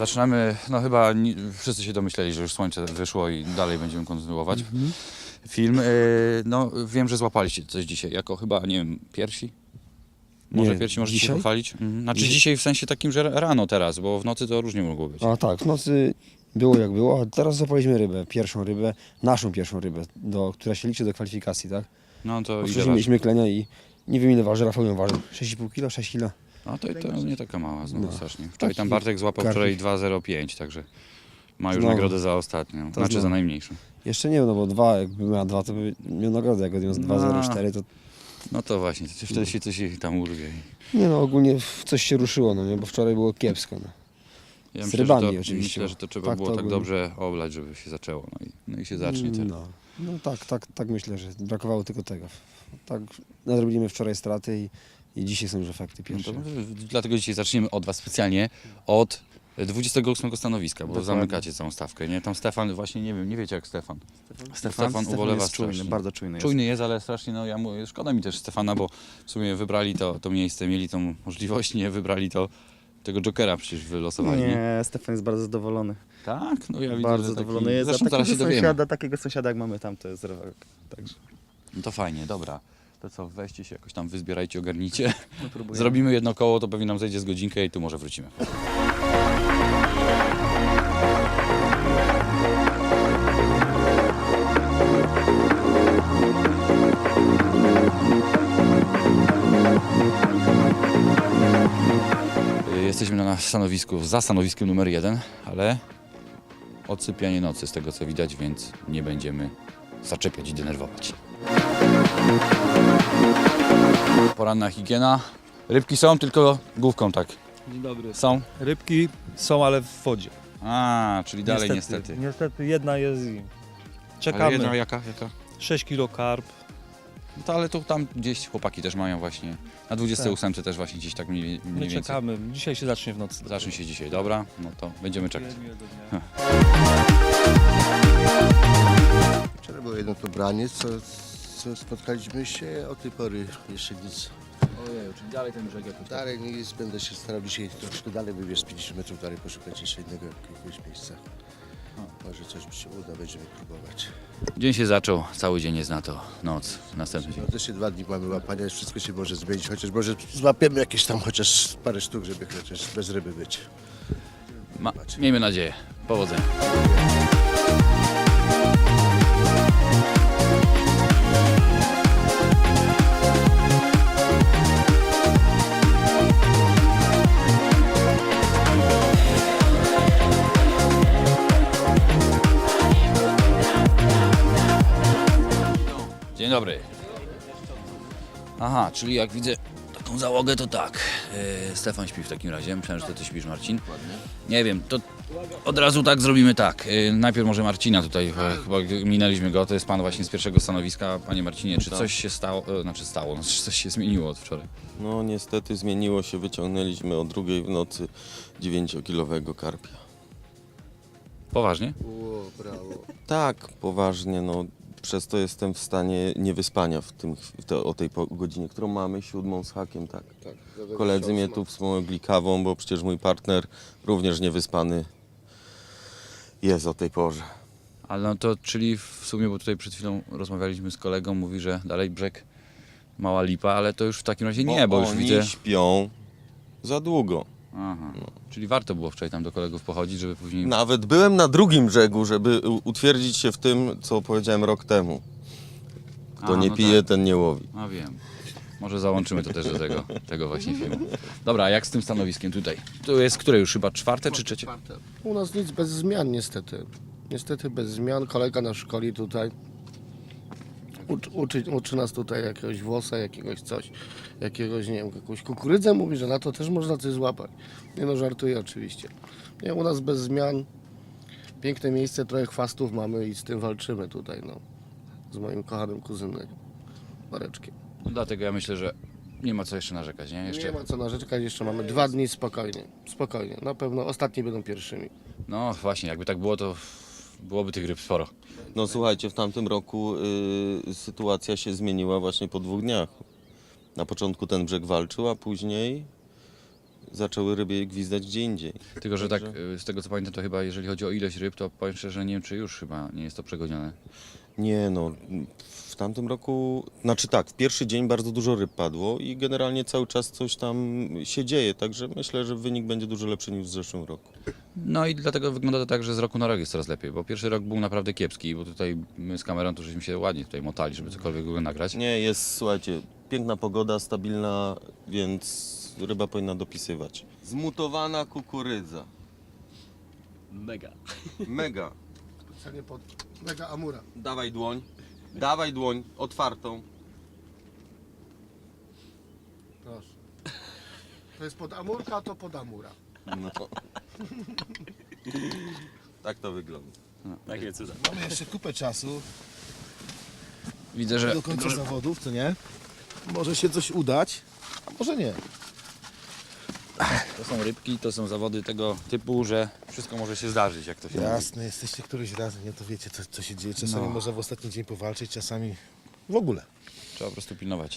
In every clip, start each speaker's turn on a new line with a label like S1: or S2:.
S1: Zaczynamy, no chyba wszyscy się domyśleli, że już słońce wyszło i dalej będziemy kontynuować film. No wiem, że złapaliście coś dzisiaj, jako chyba, nie wiem, pierwsi? Może
S2: Nie,
S1: pierwsi możecie się
S2: dzisiaj?
S1: pochwalić? Znaczy dzisiaj w sensie takim, że rano teraz, bo w nocy to różnie mogło być.
S2: A tak, w nocy było jak było, a teraz zapaliśmy rybę, naszą pierwszą rybę, która się liczy do kwalifikacji, tak?
S1: No to ile
S2: Wcześniej
S1: waży?
S2: mieliśmy klenia i nie wiem ile waży, Rafał ją ważył, 6,5 kg, 6 kg.
S1: No to nie taka mała znowu
S2: No.
S1: strasznie. Wczoraj tam
S2: Taki
S1: Bartek złapał
S2: karpik.
S1: wczoraj 2,05, także ma już
S2: Znowu.
S1: nagrodę za ostatnią,
S2: To
S1: znaczy za
S2: znowu.
S1: najmniejszą.
S2: Jeszcze nie, no bo dwa, jakby miała dwa, to by miał nagrodę, jak odniósł 2,04 to...
S1: No to właśnie, wtedy się coś tam urwie.
S2: Nie no, ogólnie coś się ruszyło, no nie, bo wczoraj było kiepsko, no.
S1: Ja
S2: Z
S1: myślę,
S2: rybami
S1: że to,
S2: oczywiście.
S1: myślę, że to trzeba
S2: Tak,
S1: było
S2: to
S1: tak
S2: ogólnie.
S1: dobrze oblać, żeby się zaczęło. No i się zacznie teraz.
S2: No tak myślę, że brakowało tylko tego. Tak, nadrobiliśmy wczoraj straty i dzisiaj są już efekty
S1: No
S2: pierwsze.
S1: to, dlatego dzisiaj zaczniemy od Was specjalnie, od 28 stanowiska, bo
S2: Dokładnie.
S1: zamykacie całą stawkę, nie? Tam Stefan, właśnie nie wiecie jak Stefan. Stefan ubolewa
S3: jest czujny,
S1: strasznie.
S3: bardzo czujny jest.
S1: Czujny jest, ale strasznie, no ja mówię, szkoda mi też Stefana, bo w sumie wybrali to miejsce, mieli tą możliwość, nie wybrali tego Jokera przecież wylosowali.
S3: Nie, Stefan jest bardzo zadowolony.
S1: Tak? No ja widzę,
S3: Bardzo
S1: że
S3: zadowolony
S1: taki...
S3: jest.
S1: Zresztą zaraz się dowiemy.
S3: Takiego sąsiada jak mamy tam, to jest rewelka. Także
S1: No to fajnie, dobra. To co, weźcie się jakoś tam, wyzbierajcie, ogarnijcie.
S3: no, próbujemy.
S1: Zrobimy jedno koło, to pewnie nam zejdzie z godzinkę i tu może wrócimy. Jesteśmy na stanowisku, za stanowiskiem numer 1, ale odsypianie nocy z tego co widać, więc nie będziemy zaczepiać i denerwować. Poranna higiena. Rybki są, tylko główką tak.
S4: Dzień dobry.
S1: Są?
S4: Rybki są, ale w wodzie.
S1: A, czyli dalej niestety.
S4: Niestety jedna jest i
S1: Ale
S4: czekamy.
S1: jedna jaka?
S4: 6 kilo karp.
S1: No to ale tu tam gdzieś chłopaki też mają właśnie. Na 28 też właśnie gdzieś tak mniej
S4: My
S1: więcej.
S4: czekamy. Dzisiaj się zacznie w nocy.
S1: Zacznie się dzisiaj, dobra? No to będziemy czekać.
S4: Miłego dnia.
S5: Wczoraj było jedno to branie, co spotkaliśmy się, od tej pory jeszcze nic.
S1: Ojej, czyli dalej ten brzeg jakoś.
S5: Dalej nic, będę się starał dzisiaj troszkę dalej wybierz 50 metrów dalej, poszukać jeszcze innego jakiegoś miejsca. Może coś mi się uda, będziemy próbować.
S1: Dzień się zaczął, cały dzień jest na to, noc, następny dzień.
S5: No jeszcze 2 dni mamy łapania, wszystko się może zmienić, chociaż może złapiemy jakieś tam chociaż parę sztuk, żeby chociaż bez ryby być.
S1: Miejmy nadzieję. Powodzenia. Dzień dobry. Aha, czyli jak widzę taką załogę, to tak. Stefan śpi w takim razie. Myślałem, że to ty śpisz, Marcin. Nie wiem, to od razu tak zrobimy tak. Najpierw może Marcina tutaj, chyba minęliśmy go. To jest pan właśnie z pierwszego stanowiska. Panie Marcinie, czy coś się stało, czy coś się zmieniło od wczoraj?
S6: No niestety zmieniło się, wyciągnęliśmy o 2 w nocy 9-kilowego karpia.
S1: Poważnie?
S5: O, brawo.
S6: Tak, poważnie, no przez to jestem w stanie niewyspania o tej godzinie, którą mamy, 7 z hakiem, tak.
S5: Tak,
S6: Koledzy mnie tu wspomogli kawą, bo przecież mój partner również niewyspany jest o tej porze.
S1: Ale no to, czyli w sumie, bo tutaj przed chwilą rozmawialiśmy z kolegą, mówi, że dalej brzeg mała lipa, ale to już w takim razie nie, bo już
S6: oni
S1: widzę...
S6: śpią za długo.
S1: Aha. Czyli warto było wczoraj tam do kolegów pochodzić, żeby później...
S6: Nawet byłem na drugim brzegu, żeby utwierdzić się w tym, co powiedziałem rok temu. Kto
S1: A,
S6: nie
S1: no
S6: pije,
S1: tak.
S6: ten nie łowi.
S1: No wiem. Może załączymy to też do tego właśnie filmu. Dobra, a jak z tym stanowiskiem tutaj? To jest które już chyba czwarte czy trzecie?
S5: U nas nic bez zmian niestety. Niestety bez zmian. Kolega nas szkoli tutaj. Uczy nas tutaj jakiegoś włosa, jakiegoś coś, jakiegoś, nie wiem, jakąś kukurydzę. Mówi, że na to też można coś złapać. Nie no, żartuję oczywiście. Nie, u nas bez zmian. Piękne miejsce, trochę chwastów mamy i z tym walczymy tutaj, no. Z moim kochanym kuzynem, Mareczkiem.
S1: No dlatego ja myślę, że nie ma co jeszcze narzekać, nie? Jeszcze...
S5: Nie ma co narzekać, jeszcze mamy 2 dni spokojnie. Spokojnie, na pewno ostatni będą pierwszymi.
S1: No właśnie, jakby tak było, to byłoby tych ryb sporo.
S6: No słuchajcie, w tamtym roku sytuacja się zmieniła właśnie po 2 dniach. Na początku ten brzeg walczył, a później zaczęły ryby gwizdać gdzie indziej.
S1: Tylko, że tak,
S6: Także-
S1: z tego co pamiętam, to chyba jeżeli chodzi o ilość ryb, to powiem szczerze, nie wiem czy już chyba nie jest to przegonione.
S6: Nie no, w tamtym roku, znaczy tak, w pierwszy dzień bardzo dużo ryb padło i generalnie cały czas coś tam się dzieje, także myślę, że wynik będzie dużo lepszy niż w zeszłym roku.
S1: No i dlatego wygląda to tak, że z roku na rok jest coraz lepiej, bo pierwszy rok był naprawdę kiepski, bo tutaj my z kamerą to żeśmy się ładnie tutaj motali, żeby cokolwiek go nagrać.
S6: Nie, jest, słuchajcie, piękna pogoda, stabilna, więc ryba powinna dopisywać. Zmutowana kukurydza. Mega.
S5: Specjalnie pod mega amura.
S6: Dawaj dłoń, otwartą.
S5: Proszę. To jest pod amurka, a to pod amura.
S6: No. Tak to wygląda.
S7: Mamy jeszcze kupę czasu
S1: Widzę, że
S7: do końca zawodów, co nie? Może się coś udać, a może nie.
S1: to są rybki, to są zawody tego typu, że wszystko może się zdarzyć, jak to się mówi.
S7: Jasne, jesteście któryś raz, nie to wiecie co się dzieje. Czasami
S1: No.
S7: można w ostatni dzień powalczyć, czasami w ogóle.
S1: Trzeba po prostu pilnować.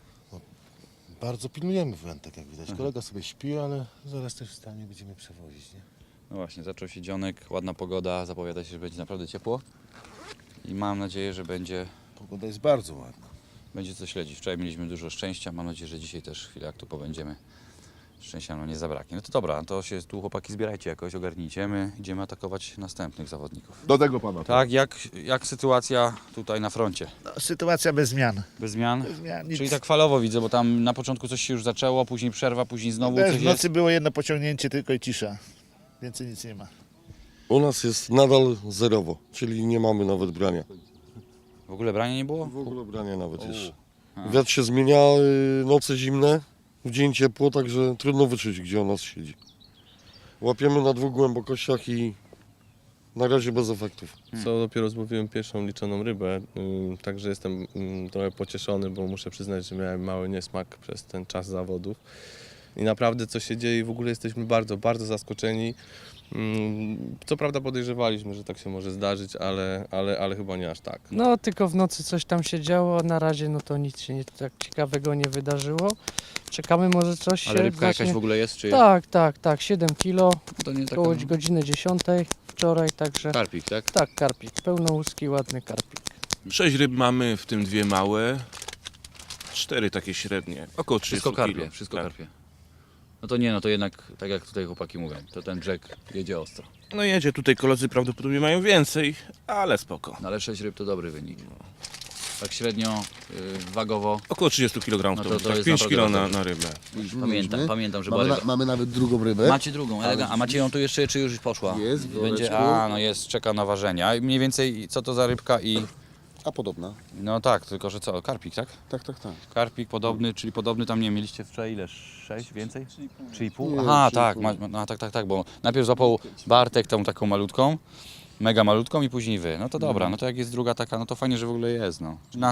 S7: Bardzo pilnujemy wędek, jak widać. Kolega sobie śpi, ale zaraz też wstanie, będziemy przewozić, nie?
S1: No właśnie, zaczął się dzionek, ładna pogoda, zapowiada się, że będzie naprawdę ciepło i mam nadzieję, że będzie
S7: Pogoda jest bardzo ładna.
S1: co śledzić. Wczoraj mieliśmy dużo szczęścia, mam nadzieję, że dzisiaj też chwilę jak tu pobędziemy. Szczęścia nam nie zabraknie. No to dobra, to się tu chłopaki zbierajcie jakoś, ogarnijcie. My idziemy atakować następnych zawodników.
S8: Do tego pana.
S1: Tak, jak sytuacja tutaj na froncie?
S9: No, sytuacja bez zmian.
S1: Bez zmian?
S9: Bez zmian nic.
S1: Czyli tak falowo widzę, bo tam na początku coś się już zaczęło, później przerwa, później znowu
S9: Wiesz,
S1: coś
S9: w
S1: jest.
S9: nocy było jedno pociągnięcie tylko i cisza. Więcej nic nie ma.
S8: U nas jest nadal zerowo, czyli nie mamy nawet brania.
S1: W ogóle brania nie było?
S8: W ogóle brania nawet
S1: U.
S8: jeszcze.
S1: A.
S8: Wiatr się zmienia, noce zimne, w dzień ciepło, także trudno wyczuć, gdzie on nas siedzi. Łapiemy na 2 głębokościach i na razie bez efektów.
S10: Co dopiero złowiłem pierwszą liczoną rybę, także jestem trochę pocieszony, bo muszę przyznać, że miałem mały niesmak przez ten czas zawodów. I naprawdę co się dzieje, w ogóle jesteśmy bardzo, bardzo zaskoczeni. Co prawda podejrzewaliśmy, że tak się może zdarzyć, ale chyba nie aż tak.
S11: No, tylko w nocy coś tam się działo, na razie no to nic się nie, tak ciekawego nie wydarzyło. Czekamy, może coś
S1: Ale
S11: się
S1: rybka jakaś w ogóle jest, czy
S11: Tak, 7 kilo,
S1: to nie taka...
S11: koło godziny 10 wczoraj, także
S1: Karpik, tak?
S11: tak, karpik, pełnołuski, ładny karpik.
S12: 6 ryb mamy, w tym 2 małe, 4 takie średnie, około 30
S1: Wszystko karpie,
S12: kilo.
S1: wszystko
S12: Tak.
S1: karpie. No to nie, no to jednak, tak jak tutaj chłopaki mówią, to ten brzeg jedzie ostro.
S12: No jedzie, tutaj koledzy prawdopodobnie mają więcej, ale spoko.
S1: No ale 6 ryb to dobry wynik. Tak średnio, wagowo,
S12: Około 30 kg
S1: No
S12: to,
S1: to
S12: tak
S1: jest
S12: 5
S1: naprawdę
S12: kg
S1: bardzo
S12: na rybę.
S1: pamiętam, że była ryba.
S5: Mamy nawet drugą rybę.
S1: Macie drugą, a macie ją tu jeszcze, czy już poszła?
S5: Jest, w
S1: Będzie,
S5: woreczku.
S1: no jest, czeka na ważenia. I mniej więcej co to za rybka i...
S5: A podobna.
S1: No tak, tylko że co, karpik, tak?
S5: Tak.
S1: Karpik podobny, czyli podobny tam, nie mieliście wczoraj ile? 6 więcej? 3,5?
S5: Nie,
S1: Aha,
S5: 3,5.
S1: tak, no, tak, bo najpierw złapał Bartek tą taką malutką, mega malutką i później wy. No to dobra, no to jak jest druga taka, no to fajnie, że w ogóle jest, no.